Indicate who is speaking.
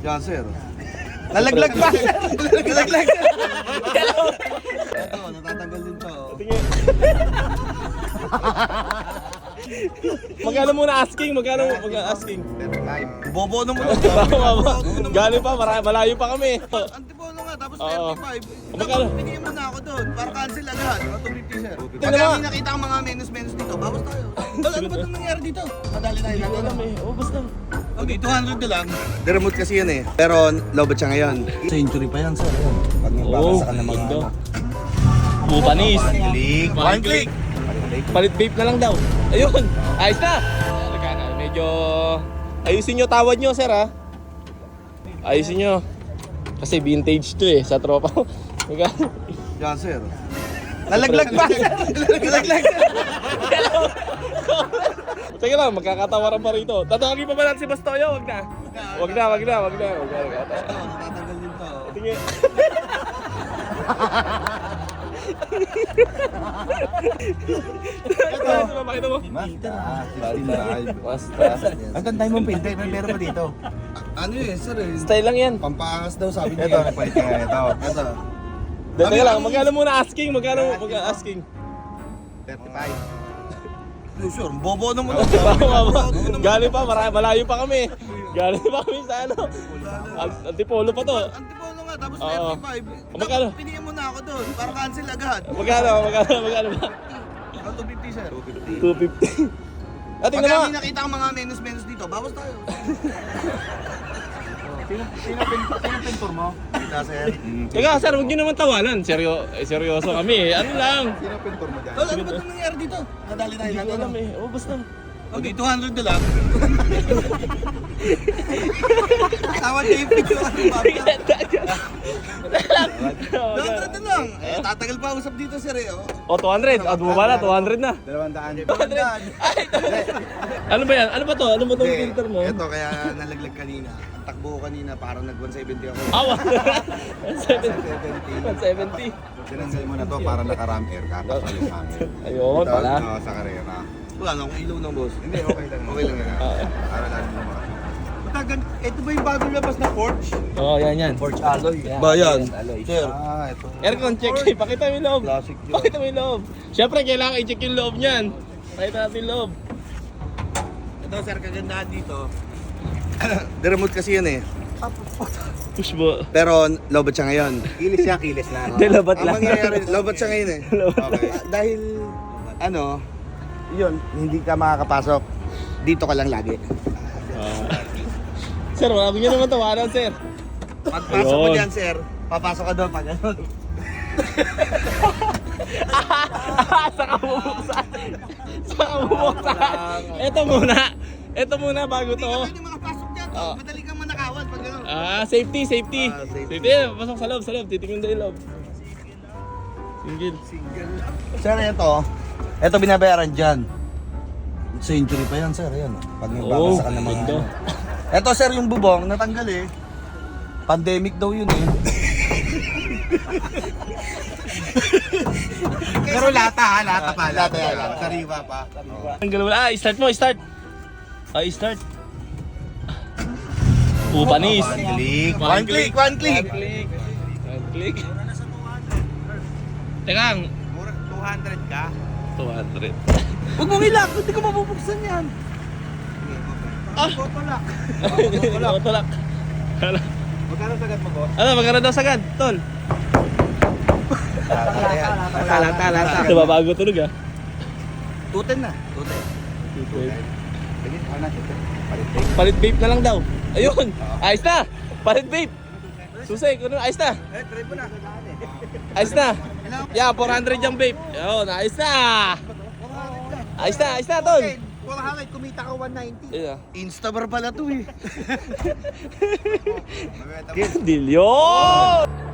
Speaker 1: Yan, sir. Nalaglag pa! Nalaglag! Ito, natatanggal din to.
Speaker 2: Magkano muna asking? Magkano asking?
Speaker 1: Bobo naman.
Speaker 2: Galing pa, malayo pa kami.
Speaker 1: Antipolo nga, tapos
Speaker 2: Oo.
Speaker 1: 35.
Speaker 2: Magkano?
Speaker 1: Pinigyan mo na ako doon, para cancel agad. 250, sir.
Speaker 2: Tingnan
Speaker 1: Pag
Speaker 2: mo.
Speaker 1: kami nakita ang mga menos dito, bawas tayo. Tol, ano ba itong nangyari dito? Madali tayo.
Speaker 2: Hindi ko alam eh. Oh, basta.
Speaker 1: Okay, 200 na lang. Remote kasi yun eh. Pero lobot siya ngayon. Century pa yan, sir. Ayan. Pag magbabasa ka ng mga
Speaker 2: ganda. Bupanis.
Speaker 1: click. One click.
Speaker 2: Palit vape na lang daw. Ayun. Ayos na. Medyo ayusin nyo tawad nyo, sir, ha? Ayusin nyo. Kasi vintage to eh, sa tropa.
Speaker 1: Yan, sir. Nalaglag pa! Nalaglag!
Speaker 2: Sige lang, magkakatawaran pa rito. Tatawagin pa ba natin si Bastoyo? Wag na. Wag na.
Speaker 1: Natatanggal din to.
Speaker 2: Tingin. Ito, makita mo. Basta.
Speaker 1: Ang tantay mong pinte, may meron pa dito. Ano yun, sir eh?
Speaker 2: Style lang yan.
Speaker 1: Pampaangas daw sabi niya. Ito, nagpalit kaya ito. Ito.
Speaker 2: Teka lang, magkano muna asking? Magkano asking?
Speaker 1: 35. Sure, bobo naman.
Speaker 2: Galing pa, malayo pa kami. Galing pa kami sa ano. Antipolo pa to.
Speaker 1: Antipolo nga, tapos
Speaker 2: Oo.
Speaker 1: 35.
Speaker 2: Magkano?
Speaker 1: Pinigyan mo na ako doon, para cancel agad.
Speaker 2: Magkano ba?
Speaker 1: 250, sir.
Speaker 2: 250.
Speaker 1: Pag
Speaker 2: Tingnan mo.
Speaker 1: kami nakita ang mga menos dito, bawas tayo. Sino pintor mo? Kita, sir.
Speaker 2: Teka, sir, huwag nyo naman tawanan. Seryoso kami. Ano lang.
Speaker 1: Sino pintor mo dyan? Tol, ano ba itong nangyari dito? Nadali tayo
Speaker 2: Hindi ko
Speaker 1: natin.
Speaker 2: alam eh. Oh, basta.
Speaker 1: Okay, 200 na lang. Tawad kayo yung picture ano ba? 200 na lang. Eh, tatagal pa usap dito, sir eh.
Speaker 2: Oh, 200. Bumaba na, 200 na.
Speaker 1: 200.
Speaker 2: 200. Ano ba yan? Ano ba to? Ano ba tong filter mo?
Speaker 1: Ito, kaya nalaglag kanina. Ang takbo ko kanina, parang nag-170 ako.
Speaker 2: Awa.
Speaker 1: 170.
Speaker 2: 170.
Speaker 3: Sinasay mo na to para naka-ram air ka. Tapos yung hangin.
Speaker 2: Ayun, pala.
Speaker 3: Oo, sa karera.
Speaker 1: Wala na akong ilaw ng boss.
Speaker 3: Hindi, okay lang.
Speaker 1: Okay lang yan.
Speaker 3: Para lang naman.
Speaker 1: Ito ba yung bagong labas na Porsche?
Speaker 2: Oo, yan.
Speaker 1: Porsche alloy. Ba yan? Sir.
Speaker 3: Ah, ito.
Speaker 2: Aircon check. Pakita mo yung loob.
Speaker 1: Classic yun.
Speaker 2: Pakita mo yung loob. Siyempre, kailangan i-check yung loob niyan. Pakita natin yung loob.
Speaker 1: Ito, sir, kagandahan dito. Remote kasi yun eh.
Speaker 2: Push mo.
Speaker 1: Pero lobot siya ngayon.
Speaker 3: Kilis siya, kilis lang.
Speaker 2: Hindi, labat
Speaker 1: Ang
Speaker 2: lang.
Speaker 1: mangyayari, lobot siya ngayon eh.
Speaker 3: Okay.
Speaker 1: Dahil, yun, hindi ka makakapasok. Dito ka lang lagi.
Speaker 2: Sir, wala ko nyo naman tawanan, sir.
Speaker 1: Pagpasok mo
Speaker 2: Ayun.
Speaker 1: dyan, sir, papasok ka doon pag ano.
Speaker 2: Saka bubuksan. Ito muna bago
Speaker 1: Hindi
Speaker 2: to.
Speaker 1: ka pwede makapasok dyan.
Speaker 2: Oo.
Speaker 1: Madali kang manakawal pag ano.
Speaker 2: Safety.
Speaker 1: Safety.
Speaker 2: Safety, pasok sa loob. Titingin na yung loob. Single.
Speaker 1: Sir, ito binabayaran dyan. Century pa yan, sir. Ayan. Pag nagbabasa ka ng mga
Speaker 2: ganda.
Speaker 1: Ito, sir, yung bubong, natanggal eh. Pandemic daw yun eh.
Speaker 3: Pero lata pa.
Speaker 1: Lata yan. Sariwa pa.
Speaker 2: Tanggal wala. Start mo, start. Start. Panis.
Speaker 1: One click. One click.
Speaker 2: One click. Teka,
Speaker 3: 200 ka?
Speaker 2: 200.
Speaker 1: Huwag mong ilak, hindi ko mabubuksan yan.
Speaker 3: Totolak.
Speaker 2: Tulak.
Speaker 3: Magkano sagad mo, boss?
Speaker 2: Ano, magkano daw sagad, tol?
Speaker 1: Lata.
Speaker 2: Ito ba bago tulog ah?
Speaker 1: 210 na. 210.
Speaker 3: Sige, ano na?
Speaker 2: Palit vape na lang daw. Ayun, ayos na. Palit vape. Susay, ayos na.
Speaker 1: Try mo na.
Speaker 2: Ayos na. Yeah, 400 yung vape. Ayun, ayos na. Ayos na, tol.
Speaker 3: 400, kumita ka 190.
Speaker 2: Yeah.
Speaker 1: Instabar pala to eh.
Speaker 2: Dilyo!